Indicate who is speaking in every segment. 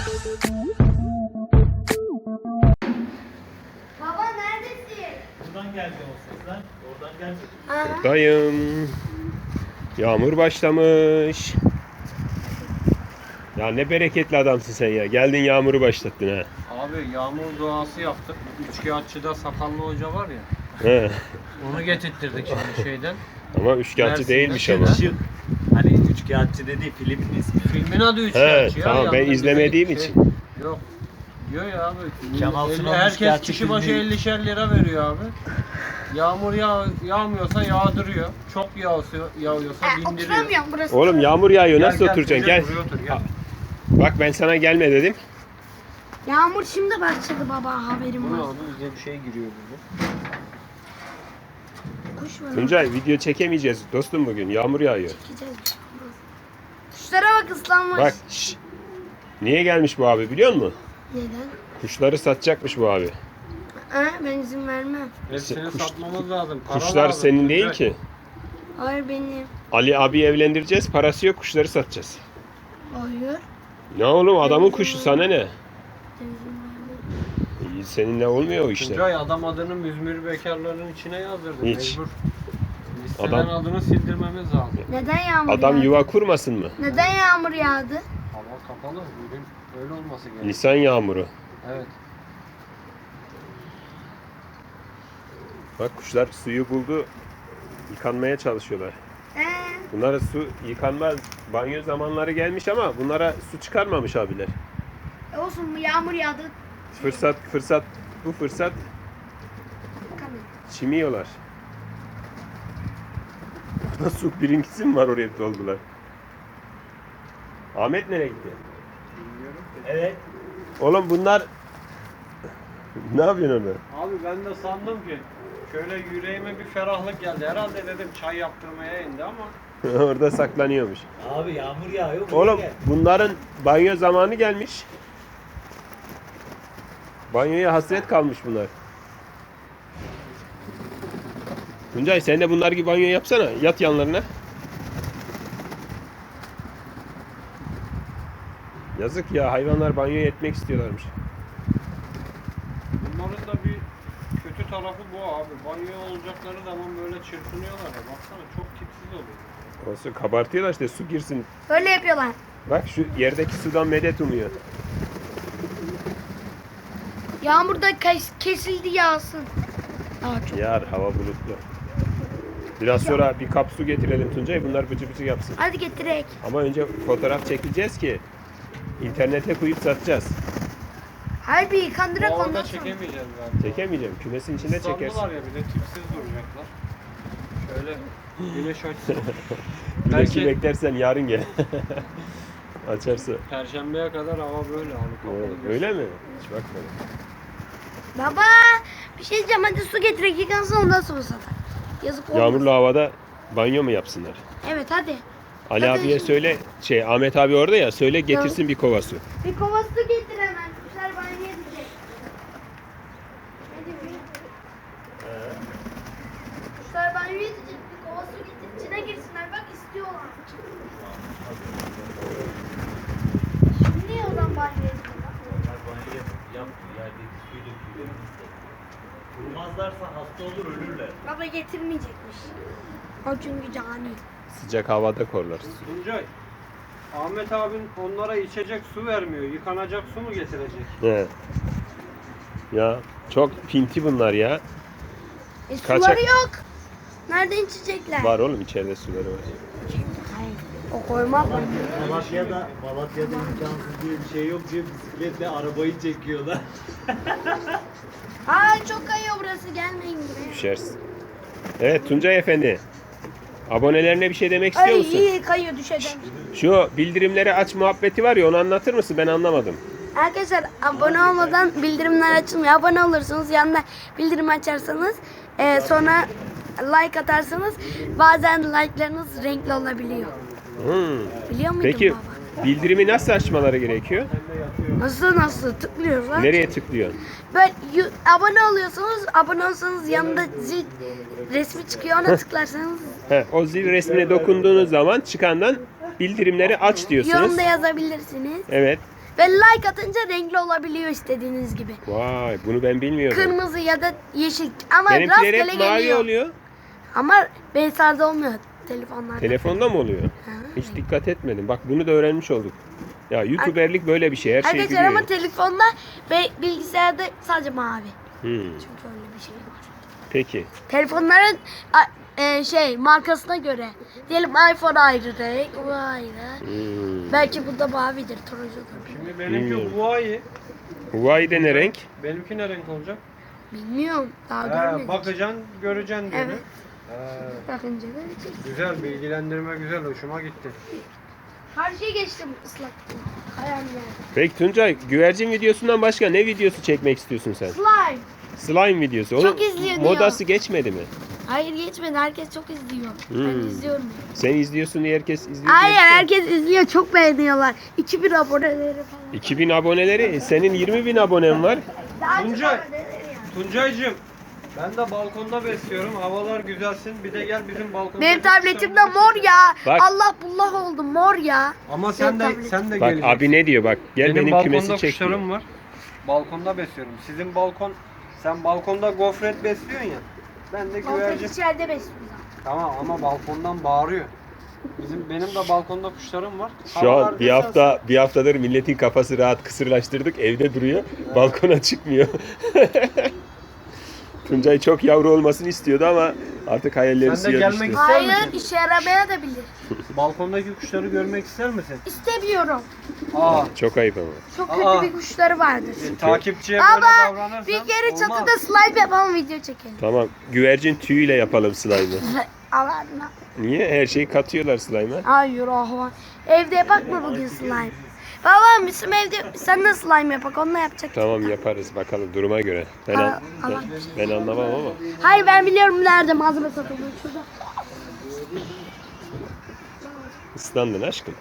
Speaker 1: Baba neredesin?
Speaker 2: Buradan geldi o sesler. Oradan geldi.
Speaker 3: Buradayım. Yağmur başlamış. Ya ne bereketli adamsın sen ya. Geldin yağmuru başlattın ha.
Speaker 4: Abi yağmur duası yaptık. Üçkağıtçıda sakallı hoca var ya.
Speaker 3: He.
Speaker 4: Onu getirttirdik şimdi şeyden.
Speaker 3: Ama üçkağıtçı
Speaker 4: Mersin'de
Speaker 3: değilmiş ama.
Speaker 2: Işık. Hani üçkağıtçı dediği filmin ismi.
Speaker 4: Filmin adı
Speaker 3: He,
Speaker 4: Üçkağıtçı ya.
Speaker 3: tamam ben
Speaker 4: yanında
Speaker 3: izlemediğim
Speaker 4: bir
Speaker 3: için.
Speaker 4: Yok. Diyor ya abi.
Speaker 2: Kemal Sunal
Speaker 4: Herkes
Speaker 2: Üçkağıtçı
Speaker 4: kişi başı
Speaker 2: filmi.
Speaker 4: 50'şer lira veriyor abi. Yağmur yağmıyorsa yağdırıyor. Çok yağıyorsa bindiriyor.
Speaker 1: Oturamıyorum burası.
Speaker 3: Oğlum yağmur yağıyor. Nasıl
Speaker 4: Gel,
Speaker 3: oturacaksın? Gel.
Speaker 4: buraya otur, gel.
Speaker 3: Bak ben sana gelme dedim.
Speaker 1: Yağmur şimdi başladı baba, haberim
Speaker 4: Bu ne
Speaker 1: var.
Speaker 4: oldu? Bize bir şey giriyor burada.
Speaker 1: Kuş var.
Speaker 3: Tuncay video çekemeyeceğiz dostum bugün. Yağmur yağıyor.
Speaker 1: Çekeceğiz bir şey olmaz. Kuşlara bak, ıslanmış.
Speaker 3: Bak şş. Niye gelmiş bu abi biliyor musun?
Speaker 1: Neden?
Speaker 3: Kuşları satacakmış bu abi.
Speaker 1: Ben izin vermem.
Speaker 4: Hepsini
Speaker 3: Kuş-
Speaker 4: satmamız lazım. Para
Speaker 3: Kuşlar
Speaker 4: lazım.
Speaker 3: senin değil
Speaker 4: Tuncay.
Speaker 3: ki.
Speaker 1: Hayır benim.
Speaker 3: Ali abi evlendireceğiz. Parası yok, kuşları satacağız.
Speaker 1: Hayır.
Speaker 3: Ne oğlum adamın kuşu sana ne?
Speaker 1: Ben izin vermem.
Speaker 3: İyi, seninle olmuyor o işler.
Speaker 4: Tuncay adam adını müzmür bekarların içine yazdırdı.
Speaker 3: Hiç.
Speaker 4: Mecbur. Listeden
Speaker 3: Adam-
Speaker 4: adını sildirmemiz lazım.
Speaker 1: Neden yağmur
Speaker 3: Adam
Speaker 1: yağdı?
Speaker 3: yuva kurmasın mı?
Speaker 1: Neden yağmur yağdı?
Speaker 4: Hava kapalı. Bugün öyle olması gerekiyor.
Speaker 3: Nisan yağmuru.
Speaker 4: Evet.
Speaker 3: Bak kuşlar suyu buldu. Yıkanmaya çalışıyorlar. Bunlara su yıkanma banyo zamanları gelmiş ama bunlara su çıkarmamış abiler.
Speaker 1: Olsun, yağmur yağdı.
Speaker 3: Fırsat bu fırsat
Speaker 1: Bakalım.
Speaker 3: çimiyorlar. Burada su birinkisi mi var oraya doldular? Ahmet nereye gitti?
Speaker 2: Evet.
Speaker 3: Oğlum bunlar ne yapıyorsun orada?
Speaker 4: Abi ben de sandım ki şöyle yüreğime bir ferahlık geldi. Herhalde dedim çay yaptırmaya indi ama
Speaker 3: Orada saklanıyormuş.
Speaker 2: Abi yağmur yağıyor. buraya
Speaker 3: Oğlum
Speaker 2: gel.
Speaker 3: bunların banyo zamanı gelmiş. Banyoya hasret kalmış bunlar. Tuncay sen de bunlar gibi banyo yapsana. Yat yanlarına. Yazık ya hayvanlar banyoya etmek istiyorlarmış.
Speaker 4: bunların da bir kötü tarafı bu abi. Banyo olacakları zaman böyle çırpınıyorlar ya. Baksana çok tipsiz oluyor.
Speaker 3: Olsun kabartıyorlar işte su girsin.
Speaker 1: Böyle yapıyorlar.
Speaker 3: Bak şu yerdeki sudan medet umuyor.
Speaker 1: Yağmur da kesildi, yağsın. Daha çok.
Speaker 3: Yar hava bulutlu. Biraz sonra bir kap su getirelim Tuncay bunlar bıcı bıcı yapsın.
Speaker 1: Hadi getirek.
Speaker 3: Ama önce fotoğraf çekeceğiz ki internete koyup satacağız.
Speaker 1: Hayır, bir yıkandırak
Speaker 4: Bu
Speaker 1: ondan
Speaker 4: arada
Speaker 1: sonra.
Speaker 4: çekemeyeceğiz galiba.
Speaker 3: Çekemeyeceğim. Kümesin içinde çekersin.
Speaker 4: Islandılar ya bir de tipsiz duracaklar. Şöyle güneş açsın.
Speaker 3: Güneşi
Speaker 4: Belki-
Speaker 3: beklersen yarın gel. Açarsa.
Speaker 4: Perşembeye kadar hava böyle abi kapalı.
Speaker 3: Öyle mi? Hiç bakmadım.
Speaker 1: Baba, bir şey diyeceğim, hadi su getirek, yıkansın ondan sonra satar. Yazık olmaz.
Speaker 3: Yağmurlu havada banyo mu yapsınlar?
Speaker 1: Evet hadi.
Speaker 3: Ali
Speaker 1: Hadi.
Speaker 3: abiye söyle, Ahmet abi orada ya, söyle getirsin bir kova su.
Speaker 1: Bir kova su getir hemen. Kuşlar banyo edecek. Hadi bir. Kuşlar banyo edecek. Bir kova su getir. İçine girsinler. Bak istiyorlar. Şimdi oradan banyo ediyorlar.
Speaker 2: Onlar banyo yapmıyor. Yerdeki suyu döküyor. Kurumazlarsa hasta olur ölürler.
Speaker 1: Baba getirmeyecekmiş. O çünkü cani.
Speaker 3: Sıcak havada korlar.
Speaker 4: Tuncay, Ahmet abin onlara içecek su vermiyor. Yıkanacak su mu getirecek?
Speaker 3: He. Ya çok pinti bunlar ya.
Speaker 1: Suları
Speaker 3: Kaçak.
Speaker 1: yok. Nereden içecekler?
Speaker 3: Var oğlum içeride suları var.
Speaker 1: Hayır. O koymak mı?
Speaker 2: Malatya'da imkansız diye bir şey yok diye bisikletle arabayı çekiyorlar.
Speaker 1: Aa, çok kayıyor burası. Gelmeyin buraya.
Speaker 3: Düşersin. Evet Tuncay Efendi. Abonelerine bir şey demek istiyor
Speaker 1: Ay
Speaker 3: musun?
Speaker 1: iyi kayıyor, düşeceğim.
Speaker 3: Şu bildirimleri aç muhabbeti var ya onu anlatır mısın? Ben anlamadım.
Speaker 1: Arkadaşlar abone olmadan bildirimler açılmıyor. Abone olursunuz, yanında bildirim açarsanız, sonra like atarsanız bazen like'larınız renkli olabiliyor. Biliyor muydun
Speaker 3: Peki
Speaker 1: baba?
Speaker 3: bildirimi nasıl açmaları gerekiyor?
Speaker 1: Nasıl tıklıyorlar?
Speaker 3: Nereye tıklıyorsun?
Speaker 1: Böyle abone oluyorsunuz. Abone olsanız yanında zil resmi çıkıyor. Ona tıklarsanız
Speaker 3: O zil resmine dokunduğunuz zaman çıkandan bildirimleri aç diyorsunuz.
Speaker 1: yorumda yazabilirsiniz.
Speaker 3: Evet.
Speaker 1: Ve like atınca renkli olabiliyor istediğiniz gibi.
Speaker 3: Vay, bunu ben bilmiyordum.
Speaker 1: Kırmızı ya da yeşil. Ama
Speaker 3: Benimkiler
Speaker 1: rastgele
Speaker 3: hep mavi
Speaker 1: geliyor.
Speaker 3: oluyor.
Speaker 1: Ama BSR'da olmuyor telefonlarda.
Speaker 3: Telefonda mı oluyor? Hiç dikkat etmedim. Bak bunu da öğrenmiş olduk. Ya YouTuber'lik böyle bir şey. Her şey
Speaker 1: Arkadaşlar
Speaker 3: biliyor.
Speaker 1: ama telefonda ve bilgisayarda sadece mavi.
Speaker 3: Hmm,
Speaker 1: Çünkü öyle bir şey var.
Speaker 3: peki.
Speaker 1: Telefonların markasına göre. Diyelim iPhone ayrı renk, bu ayrı. Belki bu da mavidir, turuncudur.
Speaker 4: Şimdi benimki
Speaker 3: Bilmiyorum.
Speaker 4: Huawei.
Speaker 3: Huawei'de ne renk?
Speaker 4: Benimki ne renk olacak?
Speaker 1: Bilmiyorum. Daha görmedik.
Speaker 4: Bakacaksın, göreceksin diyor.
Speaker 1: Evet. Bakınca göreceğiz.
Speaker 4: Güzel, bilgilendirme güzel, hoşuma gitti.
Speaker 1: Her şey geçtim ıslak. Kayan yer.
Speaker 3: Peki Tuncay, güvercin videosundan başka ne videosu çekmek istiyorsun sen?
Speaker 1: Slime.
Speaker 3: Slime videosu.
Speaker 1: Çok izleniyor.
Speaker 3: Modası geçmedi mi?
Speaker 1: Hayır geçmedi. Herkes çok izliyor. Ben izliyorum.
Speaker 3: Sen izliyorsun diye herkes izliyor.
Speaker 1: Hayır
Speaker 3: diye bir şey.
Speaker 1: herkes izliyor. Çok beğeniyorlar. 2000 aboneleri falan.
Speaker 3: 2000 aboneleri, senin 20.000 abonen var.
Speaker 1: Daha çok
Speaker 4: Tuncay.
Speaker 1: aboneleri yani.
Speaker 4: Tuncay'cığım, ben de balkonda besliyorum. Havalar güzelsin. Bir de gel bizim balkonda.
Speaker 1: Benim tabletimde mor ya.
Speaker 3: Bak.
Speaker 1: Allah bullah oldu mor ya.
Speaker 4: Ama sen de
Speaker 1: tabletim.
Speaker 4: sen de
Speaker 3: Bak
Speaker 4: geleceksin.
Speaker 3: abi ne diyor bak. Gel benim
Speaker 4: balkonda
Speaker 3: kümesi çek diyor.
Speaker 4: kuşlarım var. Balkonda besliyorum. Sizin balkon, sen balkonda gofret besliyorsun ya. Ben de güvercin.
Speaker 1: Gofret içeride besliyor.
Speaker 4: Tamam ama balkondan bağırıyor. Benim de balkonda kuşlarım var.
Speaker 3: Şu an
Speaker 4: Havalar güzel.
Speaker 3: bir haftadır milletin kafası rahat, kısırlaştırdık. Evde duruyor. Balkona çıkmıyor. Tuncay çok yavru olmasını istiyordu ama artık hayalleri
Speaker 4: Sen de
Speaker 3: suya
Speaker 4: gelmek
Speaker 3: düştü.
Speaker 4: İster
Speaker 1: Hayır
Speaker 4: misin?
Speaker 1: işe yaramaya da bilir.
Speaker 4: Balkondaki kuşları görmek ister misin?
Speaker 1: İstemiyorum.
Speaker 4: Aa,
Speaker 3: Çok ayıp ama.
Speaker 1: Çok
Speaker 4: Aa.
Speaker 1: kötü bir kuşları vardır.
Speaker 4: takipçiye böyle
Speaker 1: Ama
Speaker 4: davranırsan
Speaker 1: bir kere
Speaker 4: olmaz.
Speaker 1: çatıda slime yapalım video çekelim.
Speaker 3: Tamam. Güvercin tüyüyle yapalım slime'ı.
Speaker 1: Allah'ına.
Speaker 3: Niye? Her şeyi katıyorlar slime'a.
Speaker 1: Hayır ahvan. Evde yapak mı bugün slime? Babam bizim evde sen de slime yapak onunla yapacak.
Speaker 3: Tamam yaparız bakalım duruma göre.
Speaker 1: Allah.
Speaker 3: Ben anlamam ama.
Speaker 1: Hayır ben biliyorum nerede malzeme satılıyor şurada.
Speaker 3: Islandın aşkım.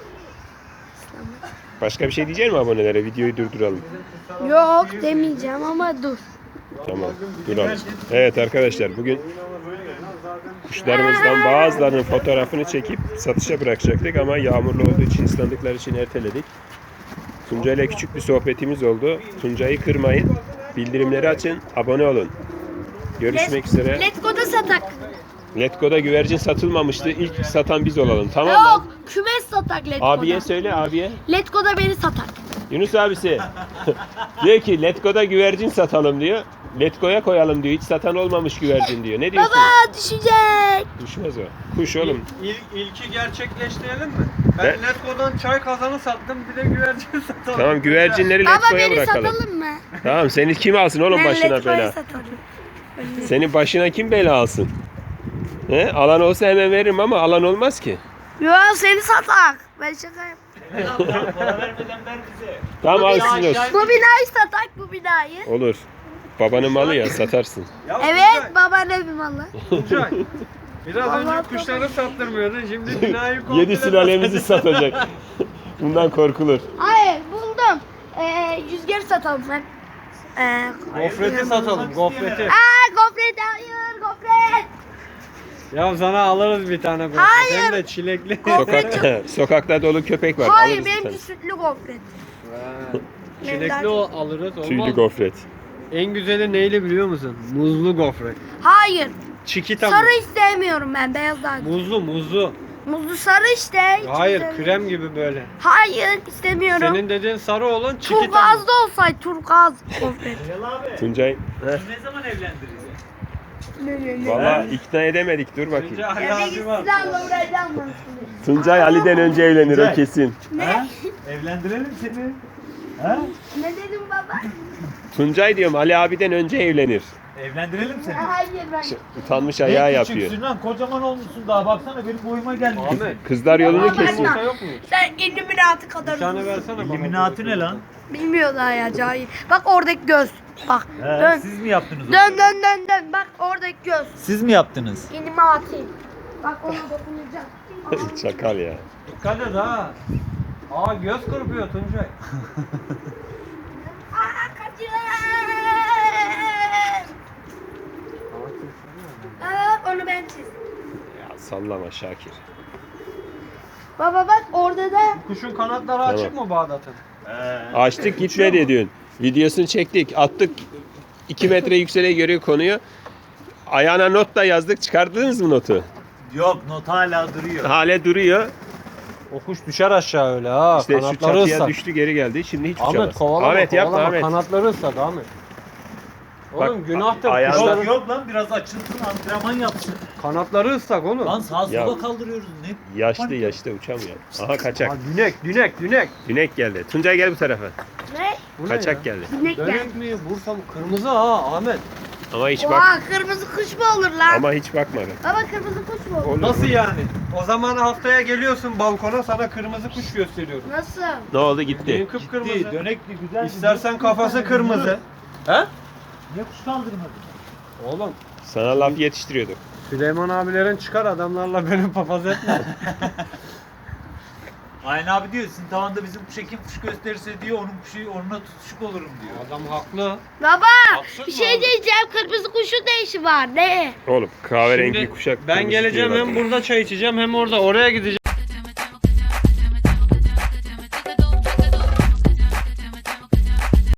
Speaker 3: Başka bir şey diyecek mi abonelere? Videoyu durduralım.
Speaker 1: Yok demeyeceğim ama dur.
Speaker 3: Tamam duralım. Evet arkadaşlar bugün kuşlarımızdan bazılarının fotoğrafını çekip satışa bırakacaktık ama yağmurlu olduğu için ıslandıkları için erteledik. Tuncay'la küçük bir sohbetimiz oldu. Tuncay'ı kırmayın. Bildirimleri açın. Abone olun. Görüşmek üzere.
Speaker 1: Letgo'da satak.
Speaker 3: Letgo'da güvercin satılmamıştı. İlk satan biz olalım. Tamam mı?
Speaker 1: Yok kümes satak Letgo'da.
Speaker 3: Abiye söyle abiye.
Speaker 1: Letgo'da beni satak.
Speaker 3: Yunus abisi. Diyor ki Letgo'da güvercin satalım diyor. Letgo'ya koyalım diyor. Hiç satan olmamış güvercin diyor. Ne diyorsun?
Speaker 1: Baba düşecek.
Speaker 3: Düşmez o. Kuş oğlum.
Speaker 4: İlki gerçekleştirelim mi? Ben
Speaker 3: Ben-
Speaker 4: Letgo'dan çay kazanı sattım, bir de güvercin satalım.
Speaker 3: Tamam güvercinleri
Speaker 1: Baba
Speaker 3: Letgo'ya
Speaker 1: beni
Speaker 3: bırakalım.
Speaker 1: satalım mı?
Speaker 3: Tamam seni kim alsın oğlum
Speaker 1: Ben
Speaker 3: başına
Speaker 1: Letgo'yu
Speaker 3: bela?
Speaker 1: satarım.
Speaker 3: Senin başına kim bela alsın? He? Alan olsa hemen veririm ama alan olmaz ki.
Speaker 1: Yo seni satak. Ben şaka yapıyorum.
Speaker 2: Para vermeden ver bize.
Speaker 3: Tamam
Speaker 1: Bu
Speaker 3: alsın
Speaker 1: binayı-
Speaker 3: olsun.
Speaker 1: Bu binayı satak bu binayı.
Speaker 3: Olur. Babanın malı ya satarsın.
Speaker 4: Ya
Speaker 1: Evet babaannemin malı.
Speaker 4: Tuncay, biraz
Speaker 1: Allah
Speaker 4: önce kuşları sattırmıyordun, şimdi binayı komple
Speaker 3: 7 sülalemizi satacak. Bundan korkulur.
Speaker 1: Hayır buldum. Yüzgeri satalım ben.
Speaker 4: Gofreti satalım, gofreti.
Speaker 1: Gofret hayır gofret.
Speaker 4: Ya sana alırız bir tane gofret.
Speaker 1: Hayır.
Speaker 4: Hem de çilekli.
Speaker 3: Sokakta dolu köpek var.
Speaker 1: Hayır
Speaker 3: Alırız bir tane.
Speaker 1: benimki sütlü gofret.
Speaker 4: Çilekli alırız,
Speaker 3: Tüylü
Speaker 4: olmaz.
Speaker 3: gofret.
Speaker 4: En güzeli neyli biliyor musun? Muzlu gofret.
Speaker 1: Hayır.
Speaker 4: Çikita
Speaker 1: Sarı istemiyorum ben beyaz daha.
Speaker 4: Muzlu.
Speaker 1: Muzlu sarı işte. hiç
Speaker 4: Hayır,
Speaker 1: istemiyorum.
Speaker 4: krem gibi böyle.
Speaker 1: Hayır istemiyorum.
Speaker 4: Senin dediğin sarı olan çikita.
Speaker 1: Turkuazlı olsaydı turkuaz gofret.
Speaker 2: Celal abi.
Speaker 3: Tuncay.
Speaker 2: Ne zaman evlendireceğiz?
Speaker 3: Valla ikna edemedik. Dur bakayım.
Speaker 4: Tuncay
Speaker 1: Eve
Speaker 4: abi
Speaker 1: gitsin
Speaker 4: var.
Speaker 1: abla buraya canlansın.
Speaker 3: Tuncay Ali'den önce evlenir o
Speaker 2: Tuncay.
Speaker 3: kesin.
Speaker 1: Ne?
Speaker 2: Evlendirelim seni. Ha?
Speaker 1: Ne dedim baba?
Speaker 3: Tuncay diyorum Ali abiden önce evlenir.
Speaker 2: Evlendirelim seni.
Speaker 1: Hayır ben.
Speaker 3: Utanmış ayağı
Speaker 2: Ne
Speaker 3: yapıyor.
Speaker 2: küçüksün lan, kocaman olmuşsun daha, baksana benim boyuma gelmiş.
Speaker 4: Ahmet.
Speaker 3: Kızlar yolunu
Speaker 1: Ama ben-
Speaker 3: kesiyor.
Speaker 4: Yumurta yok mu?
Speaker 1: Sen Illuminati kadar
Speaker 4: Bir tane
Speaker 1: uzunsun.
Speaker 4: versene bana.
Speaker 2: İlluminati ne lan?
Speaker 1: Bilmiyor daha ya cahil. Bak oradaki göz. Bak.
Speaker 2: He,
Speaker 1: Dön.
Speaker 2: siz mi yaptınız onu?
Speaker 1: Dön dön dön dön. Bak oradaki göz.
Speaker 2: Siz mi yaptınız?
Speaker 1: Illuminati. Bak ona dokunacağım.
Speaker 3: Çakal ya.
Speaker 4: Dikkat et ha. Aa göz kırpıyor Tuncay.
Speaker 1: Aa kaçın. Aa onu ben çizdim.
Speaker 3: Ya sallama Şakir.
Speaker 1: Baba bak orada da
Speaker 4: Kuşun kanatları açık mı Bağdat'ın?
Speaker 3: Açtık gitmedi diyorsun. Videosunu çektik, attık. 2 metre yükseğe göre konuyu. Ayağına not da yazdık. Çıkardınız mı notu?
Speaker 2: Yok, not hala duruyor.
Speaker 3: Hale duruyor.
Speaker 4: O kuş düşer aşağı öyle ha.
Speaker 3: İşte şu
Speaker 4: Kanatları
Speaker 3: çatıya
Speaker 4: ıslak.
Speaker 3: düştü geri geldi. Şimdi hiç
Speaker 4: Ahmet
Speaker 3: uçamaz.
Speaker 4: kovalama,
Speaker 3: Ahmet yapma
Speaker 4: kovalama.
Speaker 3: Ahmet.
Speaker 4: Kanatları ıslak Ahmet.
Speaker 3: Bak,
Speaker 4: Oğlum günahtır.
Speaker 3: ayağına-
Speaker 4: Kuşların
Speaker 2: Yok yok lan, biraz açılsın, antrenman yapsın.
Speaker 4: kanatları ıslak oğlum.
Speaker 2: Lan sağa
Speaker 3: Ya.
Speaker 2: sola kaldırıyoruz. Ne?
Speaker 3: Yaşlı uçamıyor. Aha kaçak.
Speaker 4: Ha, dünek.
Speaker 3: Dünek geldi. Tuncay gel bu tarafa.
Speaker 1: Ne?
Speaker 4: Bu ne
Speaker 3: Kaçak
Speaker 4: ya?
Speaker 3: geldi.
Speaker 1: Sinek geldi.
Speaker 4: Dönek mi? Bursa mı? Kırmızı ha Ahmet.
Speaker 3: Ama hiç bak.
Speaker 1: Oha kırmızı kuş mu olur lan?
Speaker 3: Ama hiç bakmadı.
Speaker 1: Baba kırmızı kuş mu olur?
Speaker 3: Olur.
Speaker 4: Nasıl yani? O zaman haftaya geliyorsun balkona sana kırmızı kuş gösteriyorum.
Speaker 1: Nasıl?
Speaker 3: Ne oldu
Speaker 4: Benim
Speaker 3: gitti.
Speaker 4: kıpkırmızı.
Speaker 2: Gitti, dönekli güzel.
Speaker 4: İstersen kafası kırmızı. He?
Speaker 2: Niye kuş kaldırmadın?
Speaker 4: Oğlum
Speaker 3: Sana laf yetiştiriyorduk.
Speaker 4: Süleyman abilerin çıkar adamlarla benim papaz etme.
Speaker 2: Aynen abi diyor, sizin tavanda bizim kuş kim kuş gösterirse diyor, onun kuşu onunla tutuşuk olurum diyor.
Speaker 4: Adam haklı.
Speaker 1: Baba
Speaker 4: Haksız
Speaker 1: bir
Speaker 4: mı
Speaker 1: şey
Speaker 4: abi?
Speaker 1: diyeceğim. Kırmızı kuşun ne işi var? Ne?
Speaker 3: Oğlum kahverengi
Speaker 4: Şimdi
Speaker 3: kuşak.
Speaker 4: ben
Speaker 3: kırmızı
Speaker 4: geleceğim
Speaker 3: diyorlar.
Speaker 4: hem burada çay içeceğim hem orada oraya gideceğim.